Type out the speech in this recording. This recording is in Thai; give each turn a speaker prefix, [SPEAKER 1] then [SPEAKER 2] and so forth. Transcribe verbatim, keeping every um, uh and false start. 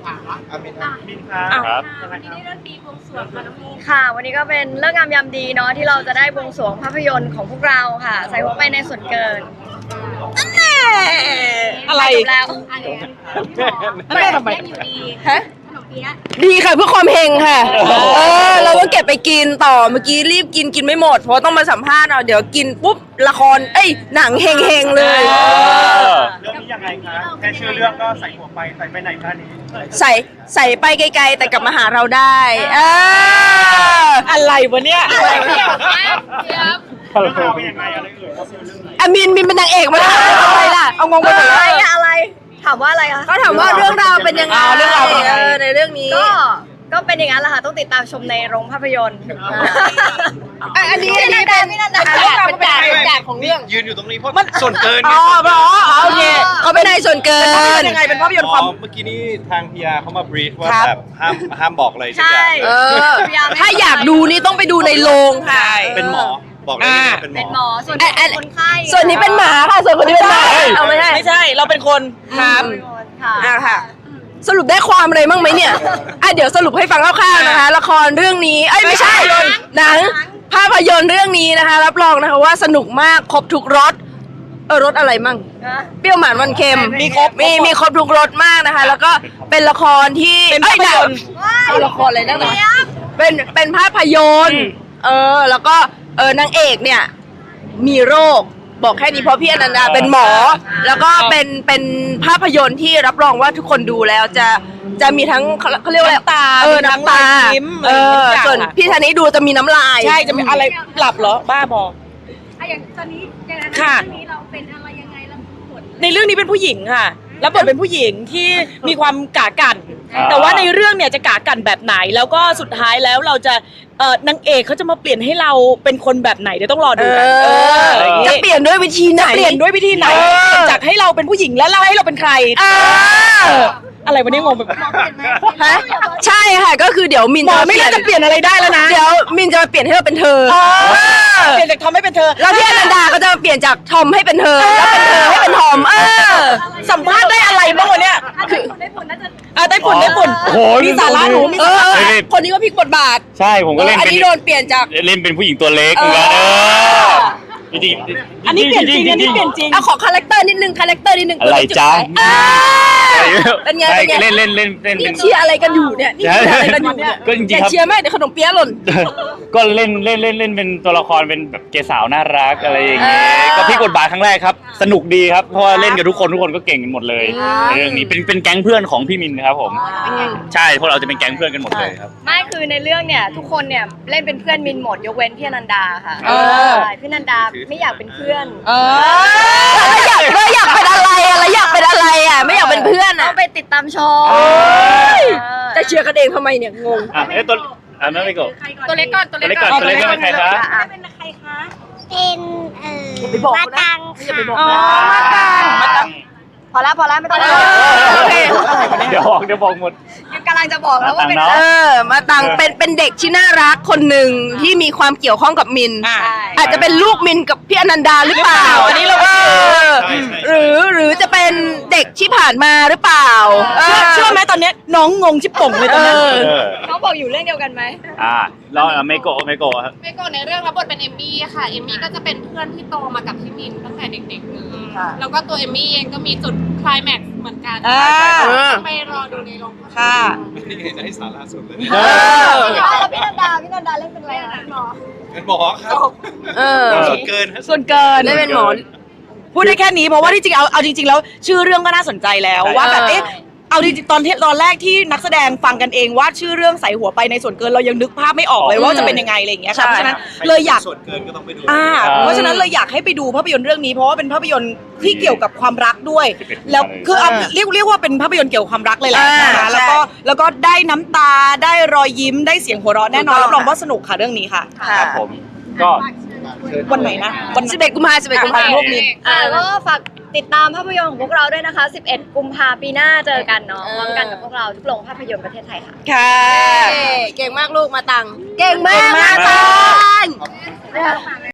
[SPEAKER 1] อามิน
[SPEAKER 2] อ่ะ
[SPEAKER 1] มินครับ
[SPEAKER 2] ครับ
[SPEAKER 3] วันนี้ได้เลิกดีบวงสรวงค่ะน้องมีน
[SPEAKER 2] ค่ะวันนี้ก็เป็นเลิกงามยามดีเนาะที่เราจะได้บวงสรวงภาพยนตร์ของพวกเราค่ะ ใส่หัวไปในส่วนเกินนั่นแน่
[SPEAKER 4] อะไร
[SPEAKER 2] จบแล้ว
[SPEAKER 3] อะไรอ่ะพี่หมอ
[SPEAKER 4] แม่ทำไม
[SPEAKER 3] เล่นอยู่ดี
[SPEAKER 4] ฮะ
[SPEAKER 3] ขนมเปี๊ยะ
[SPEAKER 4] ดีค่ะเพื่อความเฮงค่ะ เออเราก็เก็บไปกินต่อเมื่อกี้รีบกินกินไม่หมดเพราะต้องมาสัมภาษณ์เอาเดี๋ยวกินปุ๊บละครเอ้ยหนังเฮงเฮงๆเลย
[SPEAKER 1] เรื่องนี้ยังไงคะแค่ชื่อเรื่องก็ใส่หัวไปใส่ไปไหนคะนี้
[SPEAKER 4] ใส่ใส่ไปไกลๆแต่กลับมาหาเราได้เอออะไรวะเนี่ย
[SPEAKER 3] เดี๋ยวนะเดี๋ยว
[SPEAKER 1] เรื่องราวเป็นยังไงอะไรเอ่ยเขาเป็นเรื่องไหน
[SPEAKER 4] อามินมินเป็นนางเอกมาแล้วอะไรล่ะเอางงไปหมด
[SPEAKER 2] อะไร
[SPEAKER 4] เลย
[SPEAKER 2] อะอะไรถามว่าอะไรคะ
[SPEAKER 4] ก็ถามว่าเรื่องราวเป็นยังไง
[SPEAKER 1] อ่าเรื่องราวเป็นยังไง
[SPEAKER 4] เออในเรื่องนี้
[SPEAKER 2] ก็ก็เป็นอย่างนั้นแหละค่ะต้องติดตามชมในโรงภาพยนตร์
[SPEAKER 4] อ่ะอันนี้
[SPEAKER 2] พี่
[SPEAKER 4] อัน
[SPEAKER 2] นั
[SPEAKER 4] นี้
[SPEAKER 2] นดาพี่นันดา
[SPEAKER 4] เรื่องราวเป็นจากเป็นจากของเรื่อง
[SPEAKER 1] ยืนอยู่ตรงนี้เพราะส่วนเกิน
[SPEAKER 4] อ๋อเหรออ๋อโอเคเขาเป็นนายส่วนเกิน
[SPEAKER 5] ยังไงเป็นภาพยนตร์ความ
[SPEAKER 1] เมื่อกี้นี้ทางพีอาร์เขามาบรีฟว่า
[SPEAKER 4] ครับ
[SPEAKER 1] แบบห้ามห้ามบอกอะไรสักอ
[SPEAKER 2] ใช่
[SPEAKER 1] ย่าง
[SPEAKER 4] เออถ้าอยากดูนี่ต้องไปดูในโรงค่ะ
[SPEAKER 1] เป็นหมอบอกได้เลยว่าเป็นหม
[SPEAKER 2] เป็น
[SPEAKER 1] อ
[SPEAKER 2] หมอส่วนนี้เป็นคนไข้
[SPEAKER 4] ส่วนนี้เป็นหมาค่ะ ส่วนคนนี้เป็นหมา
[SPEAKER 5] เฮ้ย
[SPEAKER 4] เอาไม่ใช่
[SPEAKER 5] ไม่ใช่เราเป็นคนครับ
[SPEAKER 2] เป็นคนค่ะ
[SPEAKER 4] อ่ะค่ะ สรุปได้ความอะไรบ้างไหมเนี่ยอ่ะเดี๋ยวสรุปให้ฟังคร่าวๆนะคะ ละครเรื่องนี้เอ้ยไม่ใช่หนังภาพยนตร์เรื่องนี้นะคะ รับรองนะคะว่าสนุกมากครบทุกรสเออรสอะไรมั่ง เปรี้ยวหวานมันเค็ม
[SPEAKER 5] มีครบ
[SPEAKER 4] มีมีครบทุกรสมากนะคะ แล้วก็เป็นละครที่
[SPEAKER 5] เป็น
[SPEAKER 4] อ้
[SPEAKER 5] ภาพยนตร์
[SPEAKER 4] เอาละครเลยนะเป็นเป็นภาพยนตร์เออแล้วก็เออนางเอกเนี่ยมีโรคบอกแค่นี้เพราะพี่อนันดาเป็นหมอ แล้วก็เป็นเป็นภาพยนตร์ที่รับรองว่าทุกคนดูแล้วจะจะมีทั้งเขาเขาเรียกว่าอะไร
[SPEAKER 5] น้ำตา
[SPEAKER 4] เออ
[SPEAKER 5] มีทั้ง
[SPEAKER 4] น้ำตาร
[SPEAKER 5] อยยิ้ม
[SPEAKER 4] เออ
[SPEAKER 5] อะไรทุกอย่าง
[SPEAKER 4] ส่วน
[SPEAKER 5] ค่ะ
[SPEAKER 4] พี่ธนิดูจะมีน้ำลาย
[SPEAKER 5] ใช่จะมีอะไรหลับเหรอบ้าบอ
[SPEAKER 3] อ่ะอย่างตอนนี้อย่างนั้น
[SPEAKER 5] ค่ะ
[SPEAKER 3] เรื่องนี้เราเป็นอะไรยังไงแล้วผล
[SPEAKER 5] ในเรื่องนี้เป็นผู้หญิงค่ะแล้วบทเป็นผู้หญิงที่มีความกากัน
[SPEAKER 1] อ่า
[SPEAKER 5] แต่ว่าในเรื่องเนี่ยจะกากันแบบไหน แล้วก็สุดท้ายแล้วเราจะเอ่อนางเอกเขาจะมาเปลี่ยนให้เราเป็นคนแบบไหนเดี๋ยวต้องรอ
[SPEAKER 4] เอ
[SPEAKER 5] ดูกันเออ
[SPEAKER 4] อ
[SPEAKER 5] อะไรอย่างงี้
[SPEAKER 4] จะเปลี่ยนด้วยวิธีไหน
[SPEAKER 5] เปลี่ยนด้วยวิธีไหน
[SPEAKER 4] เออ
[SPEAKER 5] จากให้เราเป็นผู้หญิงแล้วเราให้เราเป็นใคร
[SPEAKER 4] เออ
[SPEAKER 5] เอออะไรวันนี้งงไปหมด
[SPEAKER 4] ฮะใช่ค่ะก็คือเดี๋ยวมิน
[SPEAKER 5] หมอไม่น่าจะเปลี่ยนอะไรได้แล้วนะ
[SPEAKER 4] เดี๋ยวมินจะมาเปลี่ยนให้เราเป็นเธอ
[SPEAKER 5] เออเปลี่ยนจากทอมให้เป็นเธอ
[SPEAKER 4] แล้วพี่อนันดาก็จะเปลี่ยนจากทอมให้เป็นเธอ แล้วเป็นเธอให้เป็นทอม เออ
[SPEAKER 5] สัมภาษณ์ได้อะไรบ้างวันเนี้ย
[SPEAKER 3] ถ้าได้ผลได้ผลน่าจะ
[SPEAKER 5] อ่ะได้ฝุ่นได้ฝุ่น
[SPEAKER 6] โอ้โห
[SPEAKER 5] มีสาระหนูมี
[SPEAKER 4] เอ
[SPEAKER 5] สา
[SPEAKER 4] อ
[SPEAKER 5] ระ
[SPEAKER 4] คนนี้ก็พลิกบทบาท
[SPEAKER 6] ใช่ผมก็เล่น
[SPEAKER 4] อัน
[SPEAKER 6] เป็น
[SPEAKER 4] นี้โดนเปลี่ยนจาก
[SPEAKER 6] เล่นเป็นผู้หญิงตัวเล็กเหมือนกัน
[SPEAKER 4] เอ
[SPEAKER 6] เอ
[SPEAKER 4] อ
[SPEAKER 6] อจริงๆ
[SPEAKER 5] อันนี้เปลี่ยนจริงอันนี้เปลี่ยนจริง
[SPEAKER 4] เอาขอคาแรคเตอร์นิดนึง คาแรคเตอร์นิดนึง
[SPEAKER 6] อะไรจ๊ะ
[SPEAKER 4] เออเป็นไง
[SPEAKER 6] ใช่
[SPEAKER 4] เป็นไง
[SPEAKER 6] เล่นเล่นเล่นเล่น
[SPEAKER 4] นี่
[SPEAKER 6] เป็น
[SPEAKER 4] เชียร์อะไรกันอยู่เนี่ย นี่เชียร์อะไรกันอยู่เนี่ย
[SPEAKER 6] ก็จริงๆ
[SPEAKER 4] อย่า
[SPEAKER 6] ครับ
[SPEAKER 4] เชียร์แม่เดี๋ยวขนมเปี๊ยะหล่น
[SPEAKER 6] ก็เล่นเล่นเล่นเล่นเป็นตัวละครเป็นแบบเกสาวน่ารักอะไรอย่างเงี้ย
[SPEAKER 4] เออ
[SPEAKER 6] ก็พลิกบทบาทครั้งแรกครับ สนุกดีครับเพราะว่าเล่นกับทุกคนทุกคนก็เก่งกันหมดเลยในเรื่องนี้เป็นเป็นแก๊งเพื่อนของพี่มินครับผมใช่พวกเราจะเป็นแก๊งเพื่อนกันหมดเลยครับ
[SPEAKER 2] ไม่คือในเรื่องเนี่ยทุกคนเนี่ยเล่นเป็นเพื่อนมินหมดยกเว้นพี่อนันดาค่ะ
[SPEAKER 5] เออ
[SPEAKER 2] ใช่พี่อนันดาไม่อยากเป็นเพื่อน
[SPEAKER 5] เออ
[SPEAKER 4] แล้วอยากแล้วอยากเป็นอะไรอะแล้วอยากเป็นอะไรอะไม่อยากเป็นเพื่อน
[SPEAKER 2] ต้อ
[SPEAKER 4] อะ
[SPEAKER 2] งไปติดตามชม
[SPEAKER 4] เอ้ย
[SPEAKER 2] เออ
[SPEAKER 4] จะเชียร์กันเองทำไมเนี่ยงง
[SPEAKER 6] อ่ะเอ้ยตัวอ่ะนั่นไม่กด
[SPEAKER 3] ใคร
[SPEAKER 2] ตัวเล็กก่อนตัว
[SPEAKER 6] ตัว
[SPEAKER 2] เล็
[SPEAKER 6] เล็
[SPEAKER 2] ก
[SPEAKER 6] ก
[SPEAKER 2] ก่
[SPEAKER 6] ก่
[SPEAKER 2] อ
[SPEAKER 6] อน นตัวเล็กก่อนเป็นใครคะ
[SPEAKER 3] ได้เป็นใครคะ
[SPEAKER 7] เป็นเอ่อ
[SPEAKER 4] อย่าไปบอก
[SPEAKER 7] มา
[SPEAKER 4] เขานะ
[SPEAKER 7] ตัง
[SPEAKER 4] อย่าไปบอก
[SPEAKER 5] อ๋อ
[SPEAKER 4] นะ
[SPEAKER 5] มาตัง
[SPEAKER 2] พอแล้วพอแล้วไม่ต้อง
[SPEAKER 4] เออโอเค
[SPEAKER 6] เดี๋ยวบอกเดี๋ยวบอกหมด
[SPEAKER 2] กำลังจะบอกแล้วว่าเป็น
[SPEAKER 6] มา
[SPEAKER 4] เอ
[SPEAKER 6] ตัง
[SPEAKER 4] อ มาตังเป็นเป็นเด็กที่น่ารักคนหนึ่งที่มีความเกี่ยวข้องกับมิน
[SPEAKER 5] อ่ะ
[SPEAKER 2] ใช่
[SPEAKER 4] อาจจะเป็นลูกมินกับพี่อนันดาหรือเปล่า
[SPEAKER 5] อันนี้เราก็
[SPEAKER 4] เออ
[SPEAKER 1] ใช่ใช่
[SPEAKER 4] หรือหรือจะเป็นเด็กที่ผ่านมาหรือเปล่า
[SPEAKER 5] เชื่อเชื่อไหมตอนเนี้ยน้องงงชิบป่งเลยตอนนี้
[SPEAKER 4] เออ
[SPEAKER 6] เออ
[SPEAKER 2] เขาบอกอยู่เรื่องเดียวกันไหม
[SPEAKER 6] อ่าเราอ่ะไม่โกะไม่โกะครับ
[SPEAKER 8] เมโกะในเรื่องรับบทเป็นเอมมี่ค่ะ เอมมี่ก็จะเป็นเพื่อนที่โตมากับพี่มินตั้งแต่เด็กๆเลย แล้วก็ตัวเอมมี่เองก็มีจุดไคลแม็กซ์เหมือนกัน
[SPEAKER 5] อ่า
[SPEAKER 8] ไปรอดูในโรงภาพยนตร์
[SPEAKER 5] ค่ะ
[SPEAKER 1] นี่เห็นได้สาระสุดเลย
[SPEAKER 4] เออ
[SPEAKER 2] แล้วพี่นันดาพี่นันดาเล่นเป็นอะไรนะหมอ
[SPEAKER 1] เป็นหมอครับ
[SPEAKER 4] เออ
[SPEAKER 1] ส่วนเกินครับ
[SPEAKER 5] ส่วนเกิน
[SPEAKER 4] ได้เป็นหมอ
[SPEAKER 5] พูดได้แค่นี้เพราะว่าที่จริงเอาเอาจริงๆแล้วชื่อเรื่องก็น่าสนใจแล้ว
[SPEAKER 6] ใช่
[SPEAKER 5] ว่าแบบ
[SPEAKER 4] เออ
[SPEAKER 5] เอ๊ะเอาจริงๆตอนที่ตอนแรกที่นักแสดงฟังกันเองว่าชื่อเรื่องใส่หัวไปในส่วนเกินเรายังนึกภาพไม่ออกเลยว่าจะเป็นยังไงอะไรอย่างเงี้ยค่ะเพราะฉะนั้นเลยอยาก
[SPEAKER 1] ส่วนเกินก็ต้องไปดู
[SPEAKER 5] อ่าเพราะฉะนั้นเลยอยากให้ไปดูภาพยนตร์เรื่องนี้เพราะว่าเป็นภาพยนตร์ที่เกี่ยวกับความรักด้วย แล้วคือเอาเรียกเรียกว่าเป็นภาพยนตร์เกี่ยวกับความรักเลยแหละ
[SPEAKER 4] อ่า
[SPEAKER 5] นะคะแล้วก็แล้วก็ได้น้ำตาได้รอยยิ้มได้เสียงหัวเราะแน่นอน
[SPEAKER 4] ถูกต้อง
[SPEAKER 5] รับรองว่าสนุกค่ะเรื่องนี้ค่ะ
[SPEAKER 6] ครับผมก็
[SPEAKER 5] วันไหนนะวัน
[SPEAKER 4] สิบเอ็ดกุมภาพันธ์สิบเอ็ดกุมภาพันธ์
[SPEAKER 5] พวกมิน
[SPEAKER 2] อ่าก็ฝากติดตามภาพยนตร์ของพวกเราด้วยนะคะ สิบเอ็ดกุมภาปีหน้าเจอกันเนาะพร้อมกันกับพวกเราทุกโรงภาพยนตร์ประเทศไทยค่ะ
[SPEAKER 5] ค่ะ
[SPEAKER 4] เก่งมากลูกมาตัง เก่งมากมาตัง